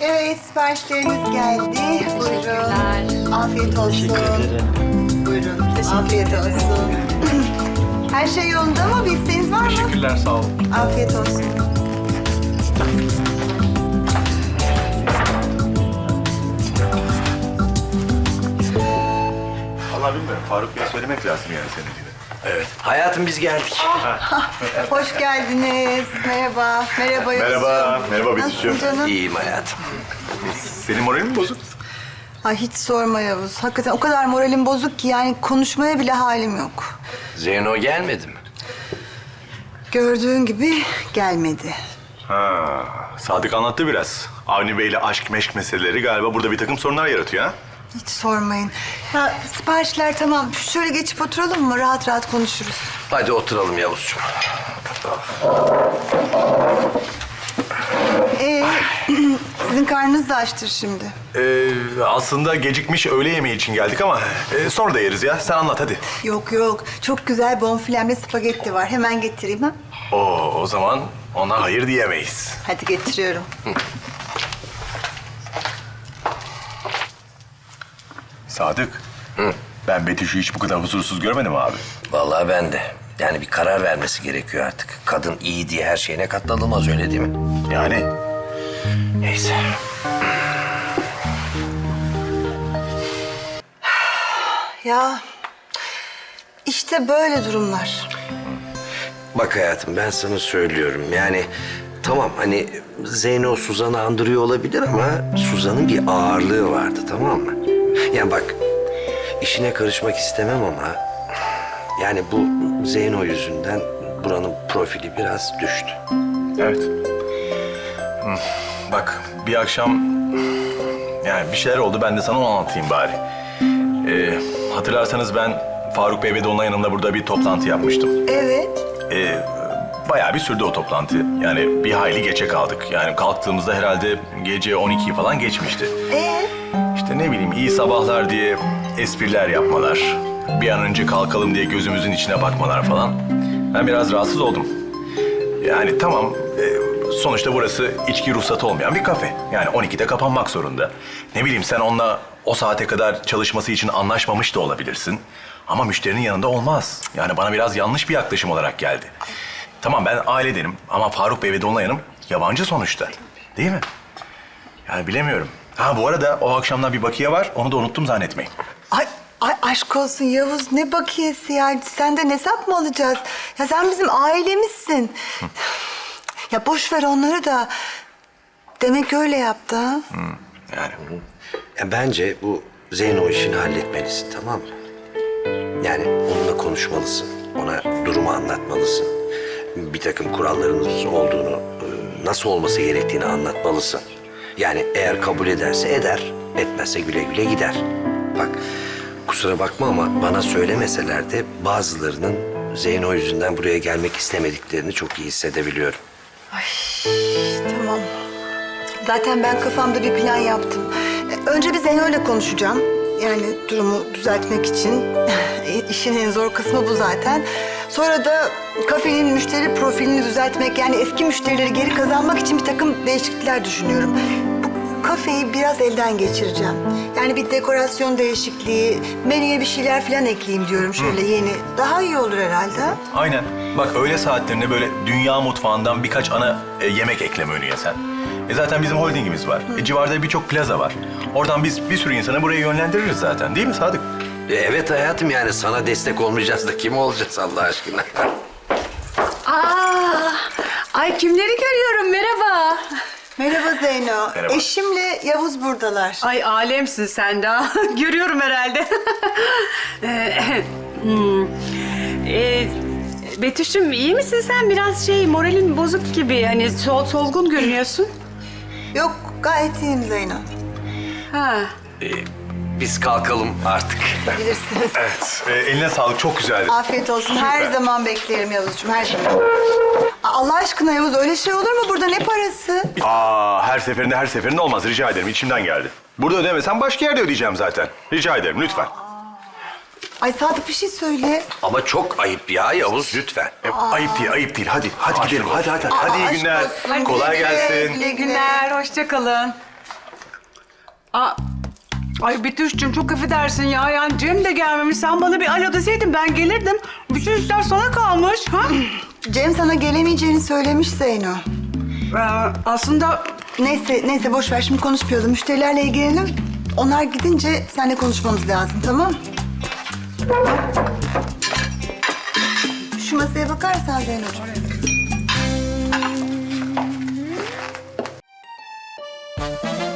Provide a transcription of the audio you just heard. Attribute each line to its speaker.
Speaker 1: Evet, siparişleriniz geldi. Buyurun. Afiyet olsun.
Speaker 2: Teşekkür ederim.
Speaker 1: Buyurun. Afiyet olsun. Her şey yolunda mı? Bir isteğiniz var mı?
Speaker 3: Teşekkürler, sağ olun.
Speaker 1: Afiyet olsun.
Speaker 3: Vallahi bilmiyorum. Faruk Bey'e söylemek lazım yani senin gibi.
Speaker 2: Evet. Hayatım biz geldik.
Speaker 1: Hoş geldiniz. Merhaba. Merhaba Yusuf.
Speaker 3: Merhaba. Merhaba
Speaker 1: Nasılsın
Speaker 3: Betüş'üm.
Speaker 1: canım?
Speaker 2: İyiyim hayatım.
Speaker 3: Senin moralin mi bozuk?
Speaker 1: Ay hiç sorma Yavuz. Hakikaten o kadar moralim bozuk ki yani konuşmaya bile halim yok.
Speaker 2: Zeyno gelmedi mi?
Speaker 1: Gördüğün gibi gelmedi.
Speaker 3: Ha, Sadık anlattı biraz. Avni Bey'le aşk meşk meseleleri galiba burada bir takım sorunlar yaratıyor ha?
Speaker 1: Hiç sormayın. Ya siparişler tamam. Şöyle geçip oturalım mı? Rahat rahat konuşuruz.
Speaker 2: Hadi oturalım Yavuzcuğum.
Speaker 1: Sizin karnınız da açtır şimdi.
Speaker 3: Aslında gecikmiş öğle yemeği için geldik ama sonra da yeriz ya. Sen anlat hadi.
Speaker 1: Yok yok. Çok güzel bonfilemli spagetti var. Hemen getireyim ha.
Speaker 3: O zaman ona hayır diyemeyiz.
Speaker 1: Hadi getiriyorum.
Speaker 3: Sadık. Ben Betüş'ü hiç bu kadar huzursuz görmedim abi.
Speaker 2: Vallahi ben de. Yani bir karar vermesi gerekiyor artık. Kadın iyi diye her şeyine katlanılmaz, öyle değil mi?
Speaker 3: Yani
Speaker 2: Neyse.
Speaker 1: Ya işte böyle durumlar.
Speaker 2: Bak hayatım, ben sana söylüyorum. Yani tamam, hani Zeyno Suzan'ı andırıyor olabilir ama Suzan'ın bir ağırlığı vardı, tamam mı? Yani bak, işine karışmak istemem ama yani bu Zeyno yüzünden buranın profili biraz düştü.
Speaker 3: evet. Bak bir akşam yani bir şeyler oldu, ben de sana onu anlatayım bari. Hatırlarsanız ben Faruk Bey ve Dolunay yanında burada bir toplantı yapmıştım.
Speaker 1: Evet.
Speaker 3: Bayağı bir sürdü o toplantı. Yani bir hayli geçe kaldık. Yani kalktığımızda herhalde gece 12'yi falan geçmişti. İşte ne bileyim iyi sabahlar diye espriler yapmalar. Bir an önce kalkalım diye gözümüzün içine bakmalar falan. Ben biraz rahatsız oldum. Yani tamam sonuçta burası içki ruhsatı olmayan bir kafe. Yani 12'de kapanmak zorunda. Ne bileyim sen onunla o saate kadar çalışması için anlaşmamış da olabilirsin. Ama müşterinin yanında olmaz. Yani bana biraz yanlış bir yaklaşım olarak geldi. Tamam ben ailedenim ama Faruk Bey ve Dolunay Hanım yabancı sonuçta. Değil mi? Yani bilemiyorum. Ha bu arada o akşamdan bir bakiye var. Onu da unuttum zannetmeyin.
Speaker 1: Ay aşk olsun Yavuz, ne bakiyesi ya? Senden hesap mı alacağız? Ya sen bizim ailemizsin. Ya boş ver onları da. Demek öyle yaptı ha?
Speaker 3: Yani
Speaker 2: Ya bence bu Zeyno işini halletmelisin, tamam mı? Yani onunla konuşmalısın. Ona durumu anlatmalısın. Bir takım kurallarınız olduğunu, nasıl olması gerektiğini anlatmalısın. Yani eğer kabul ederse eder, etmezse güle güle gider. Bak, kusura bakma ama bana söylemeseler de bazılarının Zeyno yüzünden buraya gelmek istemediklerini çok iyi hissedebiliyorum.
Speaker 1: Tamam. Zaten ben kafamda bir plan yaptım. Önce bir Zeyno'yla konuşacağım. Yani durumu düzeltmek için. İşin en zor kısmı bu zaten. Sonra da kafenin müşteri profilini düzeltmek, yani eski müşterileri geri kazanmak için bir takım değişiklikler düşünüyorum. Bu kafeyi biraz elden geçireceğim. Yani bir dekorasyon değişikliği, menüye bir şeyler falan ekleyeyim diyorum şöyle yeni. Daha iyi olur herhalde.
Speaker 3: aynen. Bak öğle saatlerinde böyle dünya mutfağından birkaç ana yemek ekleme önüye sen. Zaten bizim holdingimiz var. Civarda birçok plaza var. Oradan biz bir sürü insanı buraya yönlendiririz zaten. Değil mi Sadık?
Speaker 2: Evet hayatım, yani sana destek olmayacağız da kim olacağız Allah aşkına?
Speaker 4: Ay kimleri görüyorum, merhaba.
Speaker 1: Merhaba Zeyno.
Speaker 3: Merhaba.
Speaker 1: Eşimle Yavuz buradalar.
Speaker 4: Ay alemsin sen daha. Görüyorum herhalde. Hmm. Betüş'üm iyi misin sen? Biraz moralin bozuk gibi. Hani solgun görünüyorsun.
Speaker 1: Yok, gayet iyiyim Zeyno.
Speaker 4: Ha.
Speaker 2: Biz kalkalım artık.
Speaker 1: Bilirsiniz.
Speaker 3: Evet. Eline sağlık. Çok güzeldi.
Speaker 1: Afiyet olsun. Her zaman beklerim Yavuzcuğum, her zaman. Allah aşkına Yavuz, öyle şey olur mu? Burada ne parası?
Speaker 3: Her seferinde olmaz. Rica ederim. İçimden geldi. Burada ödemesem başka yerde ödeyeceğim zaten. Rica ederim lütfen.
Speaker 1: Ay Sadık, bir şey söyle.
Speaker 2: Ama çok ayıp ya Yavuz, lütfen.
Speaker 3: Ayıp değil. Hadi gidelim. Hadi. Hadi iyi
Speaker 1: aşk
Speaker 3: günler.
Speaker 1: olsun.
Speaker 3: Kolay
Speaker 1: Güle güle,
Speaker 3: gelsin.
Speaker 1: güle
Speaker 4: İyi günler, hoşça kalın. Aa, ay Betüş'cüğüm çok affedersin ya. Yani Cem de gelmemiş. Sen bana bir alo deseydin ben gelirdim. Bütün işler sana kalmış. Ha?
Speaker 1: Cem sana gelemeyeceğini söylemiş Zeyno.
Speaker 4: Aslında
Speaker 1: Neyse boş ver, şimdi konuşmayalım. Müşterilerle ilgilenelim. Onlar gidince seninle konuşmamız lazım, tamam? Şu masaya bakarsan Zeyno'cuğum.